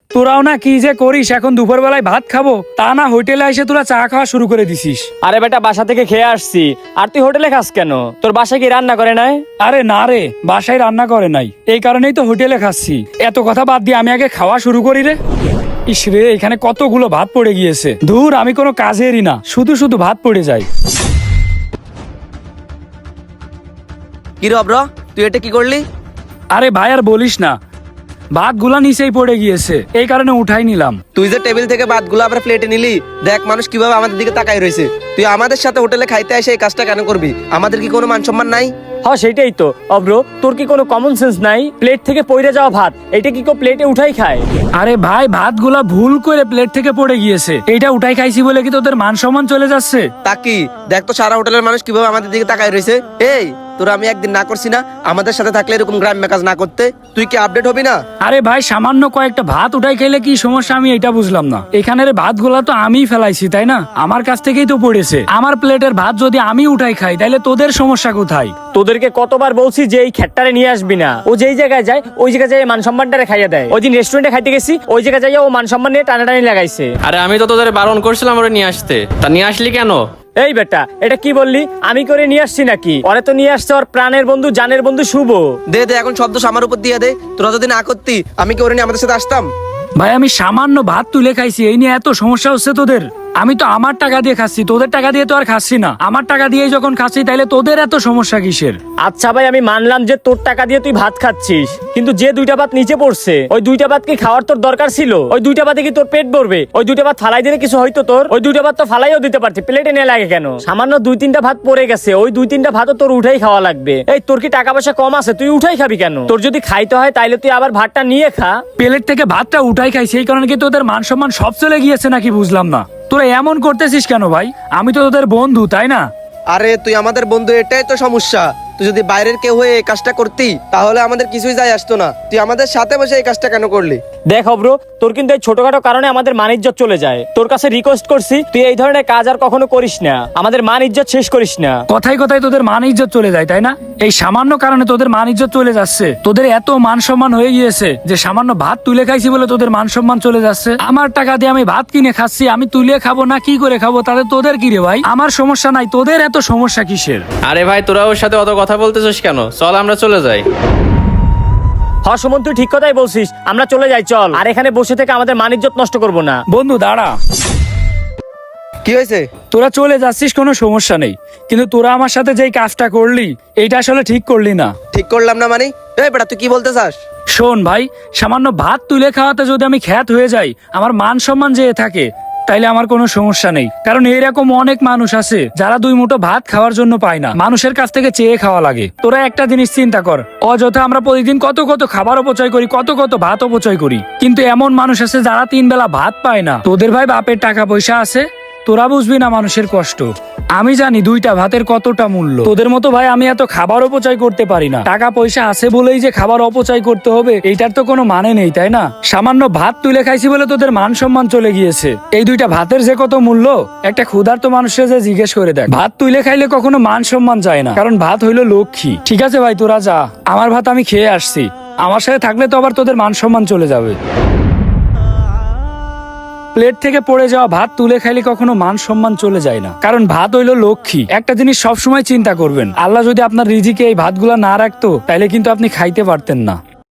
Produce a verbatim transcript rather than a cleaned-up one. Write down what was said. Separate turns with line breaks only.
তোরাও না কি যে করিস, এখন দুপুর বেলায় ভাত খাবো তা না হোটেলে এসে তোরা চা খাওয়া শুরু করে দিছিস।
আরে বেটা, বাসা থেকে খেয়ে আসছি, আর তুই হোটেলে খাস কেন? তোর বাসায় কি রান্না করে নাই?
আরে না রে, বাসায় রান্না করে নাই, এই কারণেই তো হোটেলে খাচ্ছি। এত কথা বাদ দিয়ে আমি আগে খাওয়া শুরু করি রে। ইস রে, এখানে কতগুলো ভাত পড়ে গিয়েছে। ধুর, আমি কোনো কাজেরই না, শুধু শুধু ভাত পড়ে যায়।
কি রে অব্র, তুই এটা কি করলি?
আরে ভাই আর বলিস না, ভাত গুলা নিচেই পড়ে গিয়েছে, এই কারণে উঠাই নিলাম।
তুই যে টেবিল থেকে ভাতগুলো আবার প্লেটে নিলি, দেখ মানুষ কিভাবে আমাদের দিকে তাকাই রয়েছে। তুই আমাদের সাথে হোটেলে খাইতে এসে এই কাজটা কেন করবি? আমাদের কি কোনো মান সম্মান নাই?
হ্যাঁ সেটাই তো অব্র, তোর কি কোনো কমন সেন্স নাই? প্লেট থেকে পড়ে যাওয়া ভাত এটা কি কেউ প্লেটে উঠাই খায়?
আরে ভাই, ভাত গুলা ভুল করে প্লেট থেকে পড়ে গিয়েছে, এইটা উঠাই খাইছি বলে কি তোদের মান সম্মান চলে যাচ্ছে?
তা কি দেখ তো, সারা হোটেলের মানুষ কিভাবে আমাদের দিকে তাকাই রয়েছে। এই তোরা আমি একদিন না করছি না আমাদের সাথে থাকলে এরকম গ্রাম্য কাজ না করতে? তুই কি আপডেট হবি না?
আরে ভাই, সামান্য কয়েকটা ভাত উঠাই খাইলে কি সমস্যা, আমি এটা বুঝলাম না। এখানের ভাত গুলা তো আমিই ফেলাইছি, তাই না? আমার কাছ থেকেই তো পড়েছে। আমার প্লেটের ভাত যদি আমি উঠাই খাই তাহলে তোদের সমস্যা কোথায়?
তোদেরকে কতবার বলছি যে এই খেটটারে নিয়ে আসবি না। ও যেই জায়গায় যায় ওই জায়গায় যায় মান সম্মানটারে খাইয়ে দেয়। ওই দিন রেস্টুরেন্টে খাইতে গেছি, ওই জায়গায় যাই ও মান সম্মান নিয়ে টানাটানি লাগাইছে।
আরে আমি তো তোদের বারণ করছিলাম ওরে নিয়ে আসতে, তা নিয়ে আসলি কেন?
এই বেটা, এটা কি বললি? আমি করে নিয়ে আসছি নাকি? ওরে তো নিয়ে আসছে ওর প্রাণের বন্ধু, জানের বন্ধু শুভ।
দে দে এখন শব্দ আমার উপর দিয়ে দে। তোরা যদি না করতি আমি কি ওরে নিয়ে আমাদের সাথে আসতাম?
ভাই, আমি সামান্য ভাত তুলে খাইছি, এই নিয়ে এত সমস্যা হচ্ছে তোদের? আমি তো আমার টাকা দিয়ে খাচ্ছি, তোদের টাকা দিয়ে তো আর খাচ্ছি না। আমার টাকা দিয়ে যখন খাচ্ছি তাইলে তোদের এত সমস্যা কিসের?
আচ্ছা ভাই, আমি মানলাম যে তোর টাকা দিয়ে তুই ভাত খাচ্ছিস, কিন্তু যে দুইটা ভাত নিচে পড়ছে ওই দুইটা ভাত কি খাওয়ার তোর দরকার ছিল? ওই দুইটা ভাতে কি তোর পেট ভরবে? ওই দুইটা ভাত ফালাই দিলে কিছু হয়তো তোর? ওই দুইটা ভাত তো ফালাইও দিতে পারতি, প্লেটে নিয়ে লাগে কেন? সামান্য দুই তিনটা ভাত পড়ে গেছে, ওই দুই তিনটা ভাতও তোর উঠাই খাওয়া লাগবে। এই তোর কি টাকা পয়সা কম আছে? তুই উঠাই খাবি কেন? তোর যদি খাইতে হয় তাইলে তুই আবার ভাতটা নিয়ে খা।
প্লেট থেকে ভাতটা উঠাই খাইছি, এই কারণে কি তোদের মান সম্মান সব চলে গিয়েছে নাকি? বুঝলাম না, তোরা এমন করতেছিস কেন ভাই? আমি তো তোদের বন্ধু, তাই না?
আরে তুই আমাদের বন্ধু, এটাই তো সমস্যা। তুই যদি বাইরের কেউ হয়ে এই কাজটা করতি তাহলে আমাদের কিছুই যায় আসতো না। তুই আমাদের সাথে বসে এই কাজটা কেন করলি?
দেখ অব্র, তোর কিন্তু এই ছোটখাটো কারণে আমাদের মান ইজ্জত চলে যায়। তোর কাছে রিকোয়েস্ট করছি তুই এই ধরনের কাজ আর কখনো করিস না, আমাদের মান ইজ্জত শেষ করিস না।
কথায় কথায় তোদের মান ইজ্জত চলে যায়, তাই না? এই সামান্য কারণে তোদের মান ইজ্জত চলে যাচ্ছে। তোদের এত মান সম্মান হয়ে গিয়েছে যে সামান্য ভাত তুলে খাইছি বলে তোদের মান সম্মান চলে যাচ্ছে। আমার টাকা দিয়ে আমি ভাত কিনে খাচ্ছি, আমি তুলে খাবো না কি করে খাবো, তাহলে তোদের কি রে ভাই? আমার সমস্যা নাই, তোদের এত সমস্যা কিসের?
আরে ভাই, তোরা ওর সাথে অত কথা বলতেছিস কেন? চল আমরা চলে যাই।
হ সুমন, তুই ঠিক কথাই বলছিস, আমরা চলে যাই চল। আর এখানে বসে থেকে আমাদের মান ইজ্জত নষ্ট করবো না।
বন্ধু দাঁড়া।
কি হয়েছে?
তোরা চলে যাচ্ছিস, কোনো সমস্যা নেই, কিন্তু তোরা আমার সাথে যেই কাজটা করলি এইটা আসলে ঠিক করলি না।
ঠিক করলাম না মানে? এই বেটা, তুই কি বলতে চাস?
শোন ভাই, সামান্য ভাত তুলে খাওয়াতে যদি আমি খ্যাত হয়ে যাই, আমার মান সম্মান যেয়ে থাকে, তাইলে আমার কোনো সমস্যা নেই। কারণ এরকম অনেক মানুষ আছে যারা দুই মুঠো ভাত খাওয়ার জন্য পায় না, মানুষের কাছ থেকে চেয়ে খাওয়া লাগে। তোরা একটা জিনিস চিন্তা কর, অযথা আমরা প্রতিদিন কত কত খাবার অপচয় করি, কত কত ভাত অপচয় করি, কিন্তু এমন মানুষ আছে যারা তিন বেলা ভাত পায় না। তোদের ভাই বাপের টাকা পয়সা আছে, তোরা বুঝবি না মানুষের কষ্ট। আমি জানি দুইটা ভাতের কতটা মূল্য। তোদের মতো ভাই আমি এত খাবার অপচয় করতে পারি না। টাকা পয়সা আছে বলেই যে খাবার অপচয় করতে হবে এইটার তো কোনো মানে নেই, তাই না? সামান্য ভাত তুলে খাইছি বলে তোদের মান সম্মান চলে গিয়েছে। এই দুইটা ভাতের যে কত মূল্য একটা ক্ষুধার্ত মানুষের যে জিজ্ঞেস করে দেখ। ভাত তুলে খাইলে কখনো মান সম্মান যায় না, কারণ ভাত হইলো লক্ষ্মী। ঠিক আছে ভাই, তোরা যা, আমার ভাত আমি খেয়ে আসছি। আমার সাথে থাকলে তো আবার তোদের মান সম্মান চলে যাবে। প্লেট থেকে পড়ে যাওয়া ভাত তুলে খাইলে কখনো মান সম্মান চলে যায় না, কারণ ভাত হইলো লক্ষ্মী। একটা জিনিস সবসময় চিন্তা করবেন, আল্লাহ যদি আপনার রিজিকে এই ভাতগুলা না রাখতো তাইলে কিন্তু আপনি খাইতে পারতেন না।